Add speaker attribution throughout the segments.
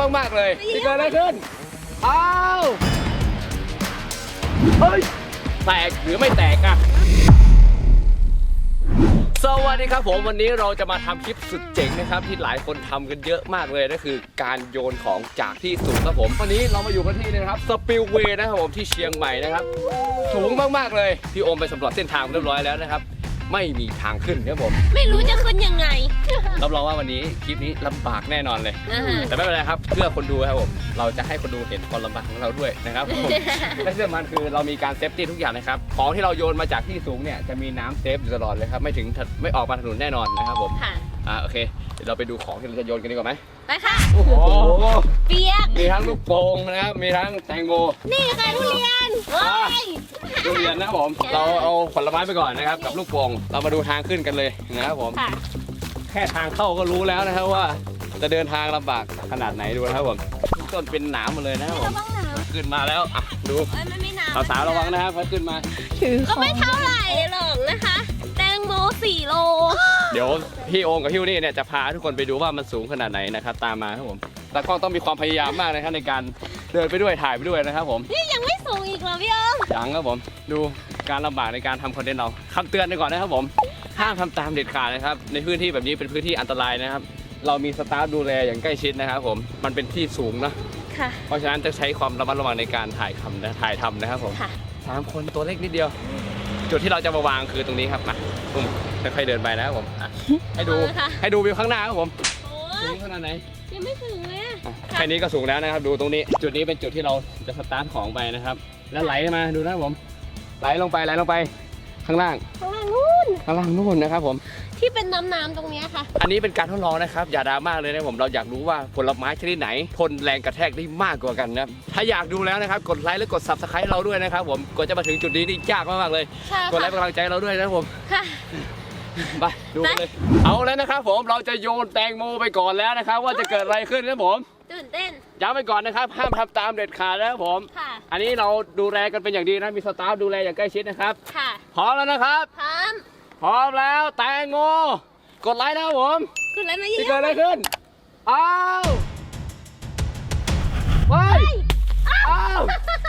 Speaker 1: มากๆเลยที่เกิดอะไรขึ้นอ้าวเฮ้ยแตกหรือไม่แตกอะสวัสดีครับผมวันนี้เราจะมาทำคลิปสุดเจ๋งนะครับที่หลายคนทำกันเยอะมากเลยนั่นคือการโยนของจากที่สูงครับผมวันนี้เรามาอยู่กันที่นี่นะครับสปิลเวย์นะครับผมที่เชียงใหม่นะครับสูงมากๆเลยพี่โอมไปสำรวจเส้นทางเรียบร้อยแล้วนะครับไม่มีทางขึ้นครับผม
Speaker 2: ไม่รู้จะขึ้นยังไง
Speaker 1: รับรองว่าวันนี้คลิปนี้ลำบากแน่นอนเลยแต่ไม่เป็นไรครับเพื่อคนดูครับผมเราจะให้คนดูเห็นความลำบากของเราด้วยนะครับผมและที่สำคัญคือเรามีการเซฟตี้ทุกอย่างนะครับของที่เราโยนมาจากที่สูงเนี่ยจะมีน้ำเซฟอยู่ตลอดเลยครับไม่ออกมาถนนแน่นอนนะครับผมโอเคเดี๋ยวเราไปดูของที่เราจะโยนกันดีกว่าไหม
Speaker 2: ไปค่ะ
Speaker 1: โอ้โห
Speaker 2: เปียก
Speaker 1: มีทั้งลูกโป่งนะครับมีทั้งแตงโม
Speaker 2: นี่ค่ะทุเรียน
Speaker 1: ทุเรียนนะครับผมเราเอาผลไม้ไปก่อนนะครับกับลูกโป่งเรามาดูทางขึ้นกันเลยนะครับผมแค่ทางเข้าก็รู้แล้วนะครับว่าจะเดินทางลำบากขนาดไหนดูนะครับผมต้นเป็นหนามหมดเลยนะครับผมขึ้นมาแล้วดูสาวระวังนะครับเขาขึ้นมา
Speaker 2: ก็ไม่เท่าไหร่หรอกนะคะแตงโม4 โล
Speaker 1: เดี๋ยวพี่โอมกับพี่นี่เนี่ยจะพาทุกคนไปดูว่ามันสูงขนาดไหนนะครับตามมาครับผมแต่ก็ต้องมีความพยายามมากนะครับในการเดินไปด้วยถ่ายไปด้วยนะครับผม
Speaker 2: นี่ยังไม่สูงอีกเหรอพี่โอม
Speaker 1: ยังครับผมดูการลำบากในการทำคอนเทนต์เราคำเตือนไปก่อนนะครับผมห้ามทำตามเด็ดขาดนะครับในพื้นที่แบบนี้เป็นพื้นที่อันตรายนะครับเรามีสตาฟดูแลอย่างใกล้ชิดนะครับผมมันเป็นที่สูงนะเพราะฉะนั้นจะใช้ความระมัดระวังในการถ่ายทำนะครับผม3 คนตัวเล็กนิดเดียวจุดที่เราจะมาวางคือตรงนี้ครับมาค่อยๆเดินไปนะครับผมให้ดูวิวข้างหน้าครับผมสูงขนาดไหน
Speaker 2: ยังไม่ถึงเลย
Speaker 1: แค่นี้ก็สูงแล้วนะครับดูตรงนี้จุดนี้เป็นจุดที่เราจะสตาร์ทของไปนะครับแล้วไหลมาดูนะครับผมไหลลงไปข้างล่างนู่นนะครับผม
Speaker 2: ที่เป็นน้ำตรงนี้ค่ะ
Speaker 1: อันนี้เป็นการทดลองนะครับอย่าดราม่าเลยนะผมเราอยากรู้ว่าผลไม้ชนิดไหนทนแรงกระแทกได้มากกว่ากันนะครับถ้าอยากดูแล้วนะครับกดไลค์และกด Subscribe เราด้วยนะครับผมกว่าจะมาถึงจุดนี้นี่ยากมากๆเลยกดไลค์เป็นกำลังใจเราด้วยนะครับผมไปดูเลยเอาแล้วนะครับผมเราจะโยนแตงโมไปก่อนแล้วนะครับว่าจะเกิดอะไรขึ้นนะผม
Speaker 2: ตื่นเต้น
Speaker 1: ย้ำไปก่อนนะครับห้ามทำตามเด็ดขาดนะครับผมอันนี้เราดูแลกันเป็นอย่างดีนะมีสตาฟดูแลอย่างใกล้ชิดนะครับพร้อมแล้วนะครับพร้อมแล้วแตงโมกดไลค์นะครับผม
Speaker 2: กดไลค์มาเยอะ
Speaker 1: ๆเกิดอะไรขึ้นอ้าวว้าว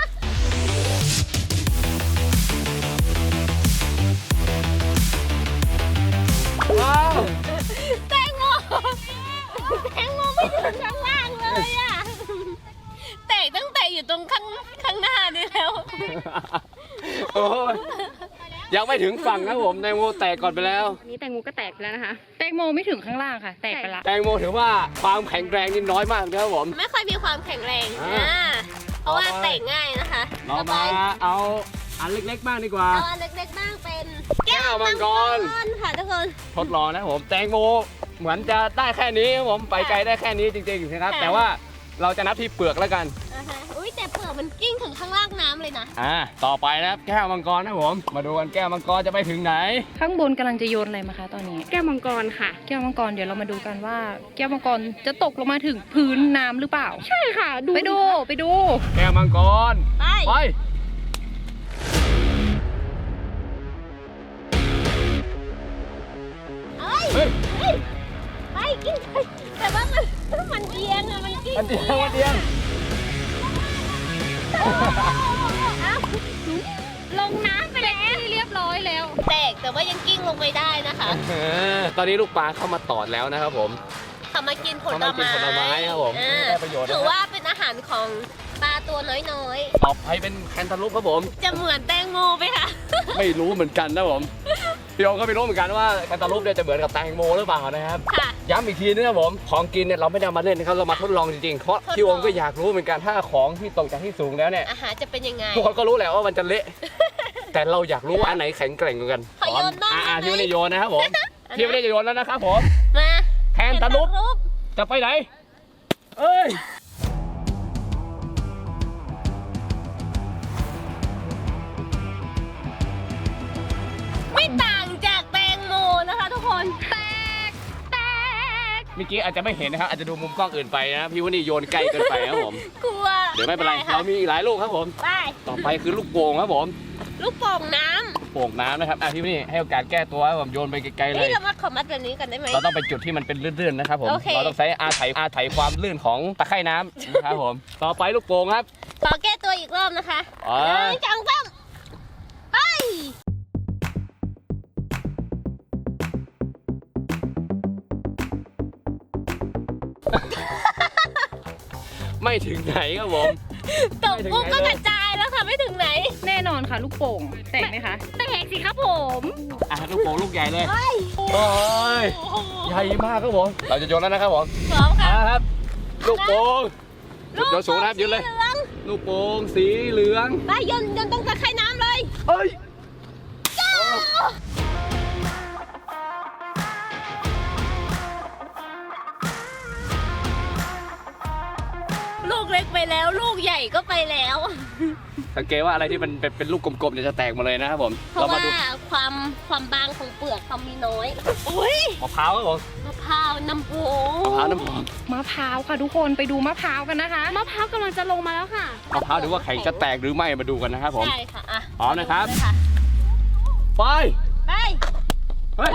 Speaker 2: แตงโมไม่ถึงข้างล่างเลยอะแตกตั้งแต่อยู่ตรงข้างหน้านี่แล้ว
Speaker 1: โอ้ยยังไม่ถึงฝั่งนะผมแตงโมแตกก่อนไปแล้ว
Speaker 3: นี่แตงโมก็แตกแล้วนะคะแตงโมไม่ถึงข้างล่างค่ะแตกไปละ
Speaker 1: แตงโมถือว่าความแข็งแรงนี่น้อยมากนะครับผม
Speaker 2: ไม่ค่อยมีความแข็งแรงเพราะว่าแตกง่ายนะคะ
Speaker 1: เรามาเอาอันเล็กๆบ้างดีกว่า
Speaker 2: เอาอันเล็กๆบ้างเป็นแก้วมังกรค่ะทุกคน
Speaker 1: ทดลองนะผมแตงโมเหมือนจะได้แค่นี้ครับผมไปไกลได้แค่นี้จริงๆนะครับแต่ว่าเราจะนับที่เปลือกแล้วกัน
Speaker 2: อุ้ยแต่เปลือกมันกิ้งถึงข้างล่างน้ำเลยนะ
Speaker 1: ต่อไปนะครับแก้วมังกรนะผมมาดูกันแก้วมังกรจะไปถึงไหน
Speaker 3: ข้างบนกำลังจะโยนอะไรมาคะตอนนี้แก้วมังกรค่ะแก้วมังกรเดี๋ยวเรามาดูกันว่าแก้วมังกรจะตกลงมาถึงพื้นน้ำหรือเปล่าใช่ค่ะไปดู
Speaker 1: แก้วมังกรไป
Speaker 2: ไปกิ้งแต่ว่ามันเอียงอะมันกิ้ง
Speaker 1: มันเอียง
Speaker 3: ลงน้ำไปแล้วเรียบร้อยแล้ว
Speaker 2: แตกแต่ว่ายังกิ้งลงไปได้นะคะ
Speaker 1: ตอนนี้ลูกปลาเข้ามาตอดแล้วนะครับผม
Speaker 2: เขามากินผลไม้
Speaker 1: ครับผมได้ประโยชน์
Speaker 2: ถือว่าเป็นอาหารของปลาตัวน้อย
Speaker 1: ต่อไปเป็นแคนตาลูปครับผม
Speaker 2: จะเหมือนแตงโมไหมคะ
Speaker 1: ไม่รู้เหมือนกันนะผมพี่โอก็ไม่รู้เหมือนกันว่าแคนตาลูปเนี่ยจะเหมือนกับแตงโมหรือเปล่านะครับย้ำอีกทีนะครับผมของกินเนี่ยเราไม่ได้มาเล่นนะครับเรามาทดลองจริงๆเพราะพี่โอก็อยากรู้เหมือนกันถ้าของที่ตกจากที่สูงแล้วเนี่ย
Speaker 2: อาหารจะเป็นยังไง
Speaker 1: ทุกคนก็รู้แหละว่ามันจะเละแต่เราอยากรู้ว่าอันไหนแข็งแกร่งกว่ากัน
Speaker 2: โยนบ้าง
Speaker 1: พี่ไม่ได้โยนนะครับผมพี่ไม่ได้โยนแล้วนะครับผม
Speaker 2: มา
Speaker 1: แคนตาลูปจะไปไหนเอ้ย
Speaker 2: ไม่ต่างจากแตงโมนะคะทุกคนแตก
Speaker 1: เมื่อกี้อาจจะไม่เห็นนะครับอาจจะดูมุมกล้องอื่นไปนะพี่ว่านี่โยนใกล้เกินไปครับผม
Speaker 2: กลัว
Speaker 1: เดี๋ยวไม่เป็นไรเรามีอีกหลายลูกครับผมต่อไปคือลูกโป่งครับผม
Speaker 2: ลูกโป่งน้
Speaker 1: โป่งน้ำนะครับพี่นี่ให้โอกาสแก้ตัวผมโยนไปไกลๆเล
Speaker 2: เฮ้ย
Speaker 1: ย
Speaker 2: เรามาขอมัดแบบนี้กันได้ไหม
Speaker 1: เราต้องไปจุดที่มันเป็นลื่นๆนะครับผม
Speaker 2: โอเค
Speaker 1: เราต้องใช้อาศัยความลื่นของตะไคร่น้ำนะครับผม ต่อไปลูกโป่งครับ
Speaker 2: ขอแก้ตัวอีกรอบนะคะ
Speaker 1: อ๋อ
Speaker 2: จังซ้ำไป
Speaker 1: ไม่ถึงไหนครับผม
Speaker 2: ตกปุ๊บก็กระจายแล้วค่ะไม่ถึงไหน
Speaker 3: แน่นอนค่ะลูกโป่งแตกไหมคะ
Speaker 2: แตกสิครับผม
Speaker 1: ลูกโป่งลูกใหญ่เลย
Speaker 2: เฮ้ย
Speaker 1: โอ้ยใหญ่มากครับผม เราจะโยนแล้วนะครับผม
Speaker 2: พร้อมค่ะ
Speaker 1: ครับ ลูกโป่งโยนสูงนะครับยืนเลย
Speaker 2: สีหอง
Speaker 1: ลูกโป่งสีเหลือง
Speaker 2: ไปยนตรงตะไคร่น้ำเลย
Speaker 1: เอ้ย
Speaker 2: ลูกเล็กไปแล้วลูกใหญ่ก็ไปแล้ว
Speaker 1: สังเกตว่าอะไรที่มันเป็นลูกกลมๆเนี่ยจะแตกมาเลยนะครับผม
Speaker 2: เพราะ
Speaker 1: มา
Speaker 2: ว่า
Speaker 1: ดู
Speaker 2: ความบางของเปลือกเขามีน้อยอุ้ย
Speaker 1: มะพร้าวครับผม
Speaker 2: มะพร้าวน้ำผง
Speaker 1: มะพร้าวน้ำหอม
Speaker 3: มะพร้าวค่ะทุกคนไปดูมะพร้าวกันนะคะ
Speaker 2: มะพร้าวกำลังจะลงมาแล้วค่ะ
Speaker 1: มะพร้าวดูว่าแข็งจะแตกหรือไม่มาดูกันนะครับผม
Speaker 2: ใช่ค่ะอ่ะ
Speaker 1: พร้อมนะครับ
Speaker 2: เลยค่ะ
Speaker 1: ไป
Speaker 2: ไป
Speaker 1: เฮ้ย
Speaker 2: ไป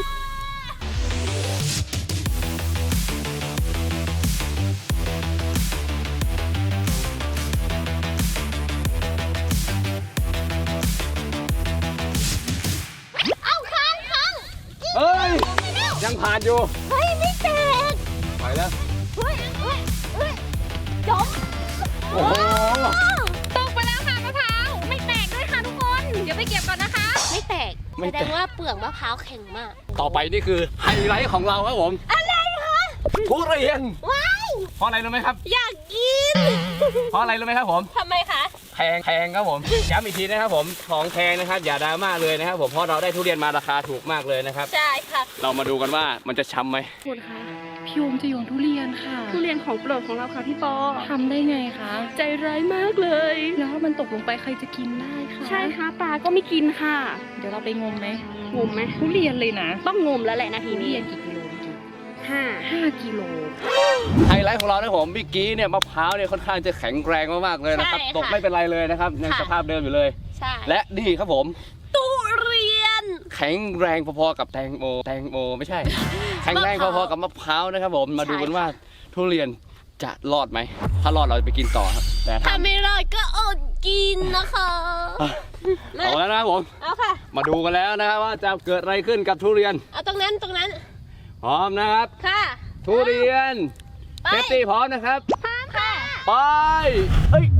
Speaker 2: เอาค้าง
Speaker 1: เฮ้ย ยังผ่านอยู่
Speaker 2: เฮ้ยไม่แตก
Speaker 1: ไปแล้ว
Speaker 2: เฮ้ยจบ
Speaker 1: โอ้โห
Speaker 3: ตกไปแล้วค่ะมะพร้าวไม่แตกด้วยค่ะทุกคน เดี๋ยวไปเก็บก่อนนะคะ
Speaker 2: ไม่แตก
Speaker 1: ไม่
Speaker 2: แส
Speaker 1: แต
Speaker 2: ด
Speaker 1: ก
Speaker 2: งว่าเปลือกมะพร้าวแข็งมาก
Speaker 1: ต่อไปนี่คือไฮไลท์ของเราครับผม
Speaker 2: อะไรคะ
Speaker 1: ทุเรียน
Speaker 2: ว้าย
Speaker 1: เพราะอะไรรู้ไหมครับ
Speaker 2: อยากกิน
Speaker 1: เพราะอะไรรู้ไหมครับผม
Speaker 2: ทำไมคะ
Speaker 1: แพงครับผม ย้ำอีกทีนะครับผมของแพงนะครับอย่าดราม่าเลยนะครับผมเพราะเราได้ทุเรียนมาราคาถูกมากเลยนะครับ
Speaker 2: ใช่ค่ะ
Speaker 1: เรามาดูกันว่ามันจะช้ำไหม
Speaker 3: คุณคะพี่โอมจะโยนทุเรียนค่ะ
Speaker 4: ทุเรียนของโปรดของเราค่ะพี่ปอ
Speaker 3: ทำได้ไงคะ
Speaker 4: ใจร้ายมากเลย
Speaker 3: แล้วถ้ามันตกลงไปใครจะกินได้คะ
Speaker 4: ใช่ค่ะปลาก็ไม่กินค่ะ
Speaker 3: เดี๋ยวเราไปงมไหม
Speaker 4: งมไหม
Speaker 3: ทุเรียนเลยนะ
Speaker 4: ต้องงมแล้วแหละนาที
Speaker 3: ทุเรี
Speaker 4: นี้
Speaker 3: ยนกี่กิโลเมื่อกี้
Speaker 4: 5
Speaker 3: 5 กิโล
Speaker 1: ไฮไลท์ของเรานะผมเมื่อกี้เนี่ยมะพร้าวเนี่ยค่อนข้างจะแข็งแรงมากๆเลยนะครับ
Speaker 2: ใช่ค่ะ
Speaker 1: ตกไม่เป็นไรเลยนะครับยังสภาพเดิมอยู่เลย
Speaker 2: ใช่
Speaker 1: และนี่ครับผม
Speaker 2: ทุเรียน
Speaker 1: แข็งแรงพอๆกับแตงโมไม่ใช่ แข็งแรงพอๆกับมะพร้าวนะครับผมมาดูกันว่าทุเรียนจะรอดไหมถ้ารอดเราจะไปกินต่อครับแต่ถ้า
Speaker 2: ถ้าไม่รอดก็อดกินนะคะ
Speaker 1: เอาแล้วนะครับผม
Speaker 2: เอาค่ะ
Speaker 1: มาดูกันแล้วนะครับว่าจะเกิดอะไรขึ้นกับทุเรียน
Speaker 2: เอาตรงนั้น
Speaker 1: พร้อมนะครับ
Speaker 2: ค่ะ
Speaker 1: ทุเรียน
Speaker 2: ไป
Speaker 1: เซฟตี้พร้อมนะครับ
Speaker 2: พร้อมค่ะ
Speaker 1: ไปเฮ้ย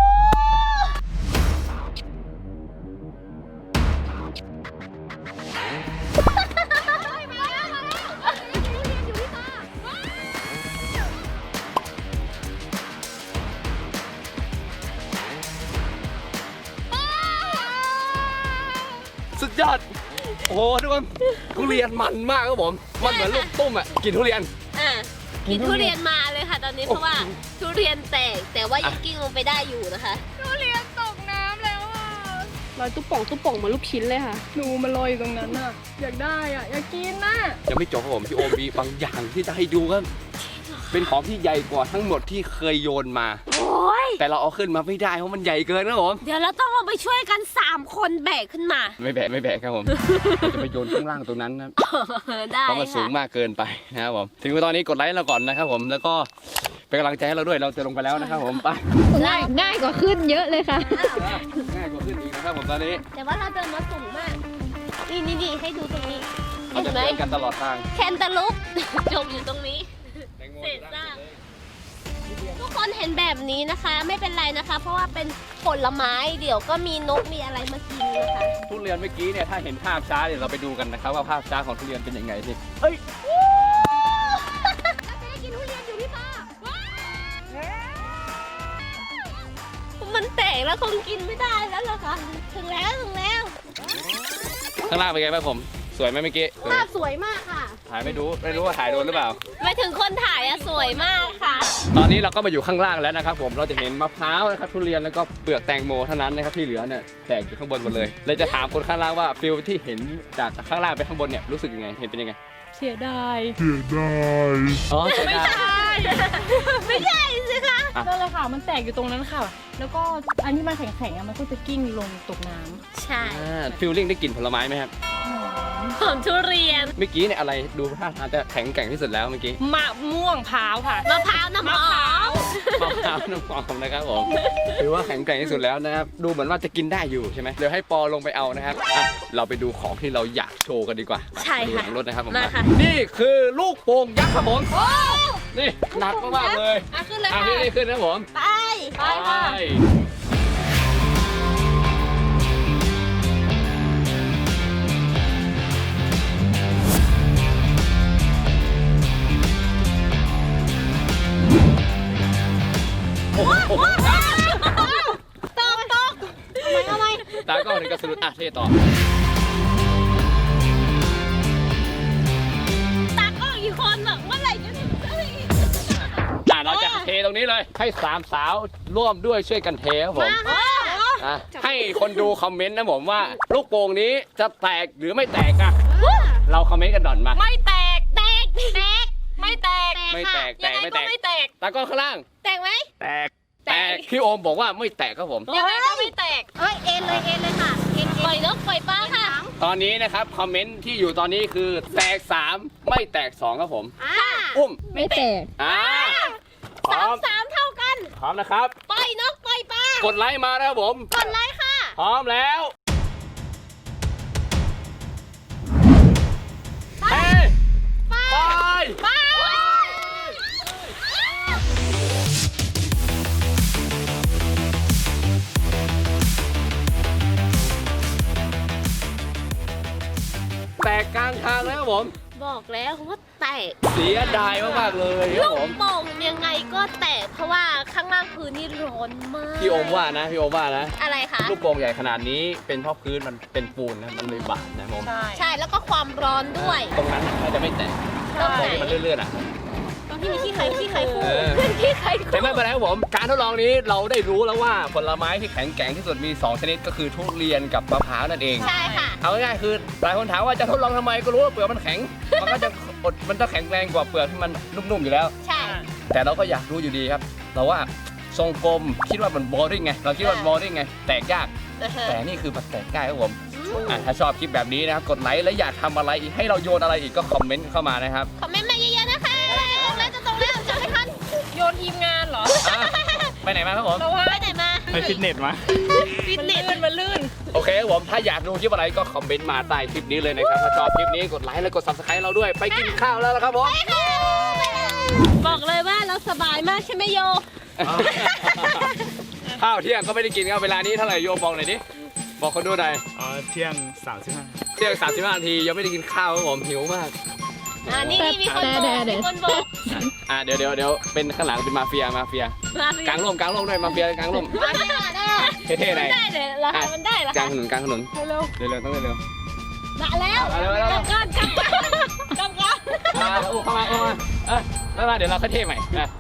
Speaker 1: สุดยอด โอ้โหทุกคนทุเรียนมันมากครับผม มันเหมือนลูกตุ้มอ่ะ กินทุเรียน
Speaker 2: อ่ะกินทุเรียนมาเลยค่ะ ตอนนี้เพราะว่าทุเรียนแตกแต่ว่ายังกิ้งลงไปได้อยู่นะคะ
Speaker 3: ทุเรียนตกน้ำแล้วอ่ะ
Speaker 4: ลอยตุ๊บป่องเหมือนลูกชิ้นเลยค่ะ
Speaker 3: หนูมันลอยอยู่ตรงนั้นอ่ะ อยากได้อ่ะ อยากกินน่ะ
Speaker 1: ยังไม่จบครับผมพี่โอมมีบางอย่างที่จะให้ดูครับ เป็นของที่ใหญ่กว่าทั้งหมดที่เคยโยนมา
Speaker 2: โอ้ย
Speaker 1: แต่เราเอาขึ้นมาไม่ได้เพราะมันใหญ่เกินครับผม
Speaker 2: เดี๋ยวเราต้องลงไปช่วยกัน 3 คนแบกขึ้นมา
Speaker 1: ไม่แบะครับผมเราจะไปโยนข้างล่างตรงนั้นนะครับ
Speaker 2: ได้
Speaker 1: เพราะมันสู
Speaker 2: ค่ะ
Speaker 1: งมากเกินไปนะครับผมถึงตอนนี้กดไลค์เราก่อนนะครับผมแล้วก็เป็นกำลังใจให้เราด้วยเราจะลงไปแล้วนะครับผมไป
Speaker 3: ง่ายกว่าขึ้นเยอะเลยค่ะ
Speaker 1: ง่ายกว่าขึ้นอีกนะครับผมตอนนี้
Speaker 2: แต่ว่าเราเดินมาสูงมาก นี่ให้ดูตรงนี้
Speaker 1: เรา
Speaker 2: เห็
Speaker 1: จะ
Speaker 2: นไหม
Speaker 1: เดินกันตลอดทาง
Speaker 2: แคนตาลูป จมอยู่ตรงนี้ เศษซากทุกคนเห็นแบบนี้นะคะ ไม่เป็นไรนะคะ เพราะว่าเป็นผลไม้เดี๋ยวก็มีนกมีอะไรมากินนะคะ
Speaker 1: ทุเรียนเมื่อกี้เนี่ยถ้าเห็นภาพช้าเดี๋ยวเราไปดูกันนะครับว่าภาพช้าของทุเรียนเป็นยังไงสิ
Speaker 2: เราจะได้กินทุเรียนอยู่ที่พ่อมันแตกแล้วคงกินไม่ได้แล้วล่ะค่ะถึงแล้ว
Speaker 1: ข้างล่างเป็นไงบ้างผมสวยไหมเมื่อกี้
Speaker 2: ภาพสวยมากค่ะ
Speaker 1: ถ่ายไม่รู้ว่าถ่ายโดนหรือเปล่า
Speaker 2: หมายถึงคนถ่ายอะสวยมากค่ะ
Speaker 1: ตอนนี้เราก็มาอยู่ข้างล่างแล้วนะครับผมเราจะเห็นมะพร้าวนะครับทุเรียนแล้วก็เปลือกแตงโมเท่านั้นนะครับที่เหลือเนี่ยแตกอยู่ข้างบนหมดเลยเลยจะถามคนข้างล่างว่าฟิลที่เห็นจากข้างล่างไปข้างบนเนี่ยรู้สึกยังไงเห็นเป็นยังไง
Speaker 3: เสียดาย
Speaker 1: อ๋อเสียดาย
Speaker 2: ไม่ใช่สิคะ
Speaker 3: นั่นแหละค่ะ มันแตกอยู่ตรงนั้นค่ะ แล้วก็อันที่มันแข็งๆอะมันก็จะกิ้งลงตกน้ำ
Speaker 2: ใช่
Speaker 1: ฟิลลิ่งได้กลิ่นผลไม้ไหมครับ
Speaker 2: หอมทุเรียน
Speaker 1: เมื่อกี้เนี่ยอะไรดูท่าทางจะแข็งแกร่งที่สุดแล้วเมื่อกี้
Speaker 3: มะม่วงพร้าวค่ะ
Speaker 2: มะพร้าวน้ำหอม
Speaker 1: มะพร้าวน้ำหอมนะครับผมถือว่าแข็งแกร่งที่สุดแล้วนะครับดูเหมือนว่าจะกินได้อยู่ใช่ไหมเดี๋ยวให้ปอลงไปเอานะครับอ่ะเราไปดูของที่เราอยากโชว์กันดีกว่า
Speaker 2: ใช่
Speaker 1: ดู
Speaker 2: ค่ะ
Speaker 1: หลังรถนะครับผม
Speaker 2: มาค่ะ
Speaker 1: นี่คือลูกโป่งยักษ์ครับผมนี่หนักมากๆเลย
Speaker 2: ขึ้นเลย
Speaker 1: อ่ะ
Speaker 2: ค่ะ
Speaker 1: นี่ขึ้นนะครับผม
Speaker 2: ไป
Speaker 3: ไปค่ะ
Speaker 1: โอ้โห
Speaker 2: ตกเอาไหม
Speaker 1: ตาก็ถึงกระสุนอ่ะเท่ต่อ
Speaker 2: ตากล้องอีกคนแบบเมื่อไหร่จะถึงสักที
Speaker 1: เราจะเทตรงนี้เลยให้สามสาวร่วมด้วยช่วยกันเทครับผม
Speaker 2: มาค่ะ
Speaker 1: อ่ะให้คนดูคอมเมนต์นะผมว่าลูกโป่งนี้จะแตกหรือไม่แตกอ่ะเราคอมเมนต์กันด่อนมา
Speaker 3: ไม่แตก
Speaker 2: แตก
Speaker 3: ไม่แตก
Speaker 1: ไม่แตก
Speaker 3: ยังไงก็ไม่แตก
Speaker 1: ตาก้อนข้างล่าง
Speaker 2: แตกไหม
Speaker 1: แตกพี่โอมบอกว่าไม่แตกครับผม
Speaker 3: ยังไงก็ไม่แตก
Speaker 2: เอ้ยเอ็นเลยค่ะเอ็นปล่อยนกปล่อยปลาค่ะ
Speaker 1: ตอนนี้นะครับคอมเมนต์ที่อยู่ตอนนี้คือแตก 3 ไม่แตก 2 ครับผม
Speaker 2: ค่ะ
Speaker 1: อุ้ม
Speaker 3: ไม่แตก
Speaker 1: พร้อม
Speaker 2: สามเท่ากัน
Speaker 1: พร้อมนะครับ
Speaker 2: ปล่อยนกปล่อยปลาก
Speaker 1: ดไลค์มานะครับผม
Speaker 2: กดไลค์ค่ะ
Speaker 1: พร้อมแล้วเฮ้ยไป
Speaker 2: ไป
Speaker 1: แตกกลางทางแล้วครับผม
Speaker 2: บอกแล้วว่าแตก
Speaker 1: เสียดายมากๆเลยค
Speaker 2: ลู
Speaker 1: รับ
Speaker 2: ก
Speaker 1: ผม
Speaker 2: โป่งยังไงก็แตกเพราะว่าข้างล่างพื้นนี่ร้อนมาก
Speaker 1: พี่โอมว่านะพี่โอมว่านะ
Speaker 2: อะไรคะ
Speaker 1: ลูกโป่งใหญ่ขนาดนี้เป็นเพราะพื้นมันเป็นปูนนะมันเลยบาดนะผม
Speaker 3: ใช่
Speaker 2: ใช่แล้วก็ความร้อนด้วย
Speaker 1: ตรงนั้นน่าจะไม่แตก
Speaker 2: ตรงไหน
Speaker 1: ที่มันเลื่อนๆอ่ะ
Speaker 2: ตรงที่มีขี้ไข่คู่
Speaker 1: เออ
Speaker 2: ขี้ไข่คู่
Speaker 1: แต่ไม่เป็นไรครับผม การทดลองนี้เราได้รู้แล้วว่าผลไม้ที่แข็งแกร่งที่สุดมี 2 ชนิดก็คือทุเรียนกับมะพร้าวนั่นเอง
Speaker 2: ใช่ค่ะ
Speaker 1: เอาง่ายๆคือหลายคนถามว่าจะทดลองทำไมก็รู้ว่าเปลือกมันแข็ง มันก็จะมันจะแข็งแรงกว่าเปลือกที่มันนุ่มๆอยู่แล้ว
Speaker 2: ใช่
Speaker 1: แต่เราก็อยากรู้อยู่ดีครับเราว่าทรงกลมคิดว่ามันบอริ่งไงเราคิดว่าบอริ่งไงแตกยาก แต่นี่คือมันแตกง่ายครับผมถ้าชอบคลิปแบบนี้นะครับกดไลค์และอยากทำอะไรอีกให้เราโยนอะไรอีกก็คอมเมนต์เข้ามานะครับ
Speaker 2: คอมเมนต์มาเยอะๆนะคะแล้วจะตรงแล้วจะไม่ทัน
Speaker 3: โยนทีมงานเหรอ
Speaker 1: อ่ะไปไหนมาครับผม
Speaker 3: เราว่า
Speaker 2: ไปไหนมา
Speaker 5: ไปฟิตเนสมา
Speaker 2: ฟิต
Speaker 3: มัน
Speaker 2: เนส
Speaker 3: ลื่นมันลื่น
Speaker 1: โอเคครับผมถ้าอยากดูคลิปอะไรก็คอมเมนต์มาใต้คลิปนี้เลยนะครับถ้าชอบคลิปนี้กดไลค์และกด subscribe เราด้วยไปกินข้าวแล้วนะครับผม
Speaker 2: บอกเลยว่าเราสบายมากใช่ไหมโย
Speaker 1: ข้าวเที่ยงก็ไม่ได้กินครับเวลานี้เท่าไหร่โยบอกหน่อยดิบอกคนดูหน่อย
Speaker 5: เที่ยง35
Speaker 1: เที่ยง35 นาทียังไม่ได้กินข้าวครับผมหิวมาก
Speaker 2: นี่มีคนบอก
Speaker 1: เดี๋ยวเป็นข้างหลังเป็นมาเฟียกลางร่มด้วยมาเฟียกลางร่มเท่ๆหน่อย
Speaker 2: ได้เลยเหรอคะมันได้เหรอก
Speaker 1: ลา
Speaker 2: คะ
Speaker 1: งถนนเร็วๆต้องเร็ว
Speaker 2: มาแล้ว
Speaker 1: มาเร็ว
Speaker 2: กลับก่อน
Speaker 1: ๆเข้ามาเดี๋ยวเราค่อยเท่ใหม่